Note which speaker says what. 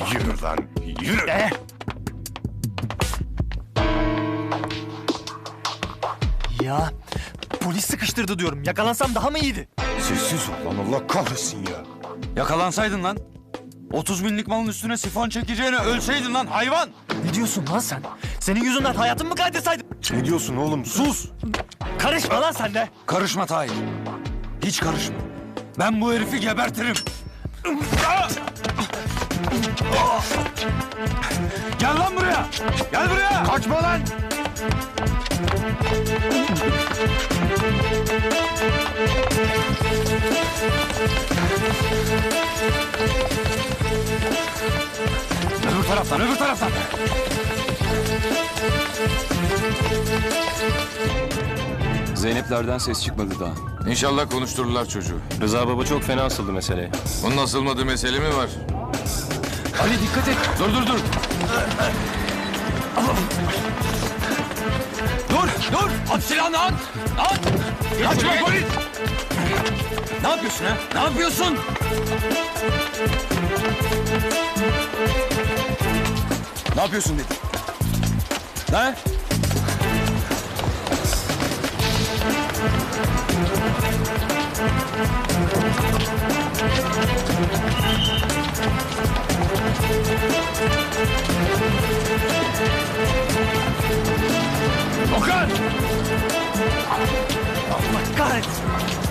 Speaker 1: Yürü lan, yürü.
Speaker 2: Ya polis sıkıştırdı diyorum. Yakalansam daha mı iyiydi?
Speaker 1: Sessiz ol lan, Allah kahretsin ya.
Speaker 3: Yakalansaydın lan. 30 binlik malın üstüne sifon çekeceğine ölseydin lan hayvan.
Speaker 2: Ne diyorsun lan sen? Senin yüzünden hayatımı kaydetsaydım.
Speaker 1: Ne diyorsun oğlum, sus.
Speaker 2: Karışma lan sen de.
Speaker 3: Karışma Tahir. Hiç karışma. Ben bu herifi gebertirim. Gel lan buraya. Gel buraya.
Speaker 1: Kaçma lan.
Speaker 3: Öbür taraftan, öbür taraftan.
Speaker 4: Zeynep'lerden ses çıkmadı daha.
Speaker 5: İnşallah konuştururlar çocuğu.
Speaker 4: Rıza baba çok fena asıldı meseleye.
Speaker 5: Onun asılmadığı mesele mi var?
Speaker 4: Ali dikkat et.
Speaker 5: Dur dur dur.
Speaker 3: Dur. At silahını at. At. Kaçma polis. Ne yapıyorsun ha? Ne yapıyorsun? Ne yapıyorsun dedim. Ha?
Speaker 2: Okan! Allah kahretsin.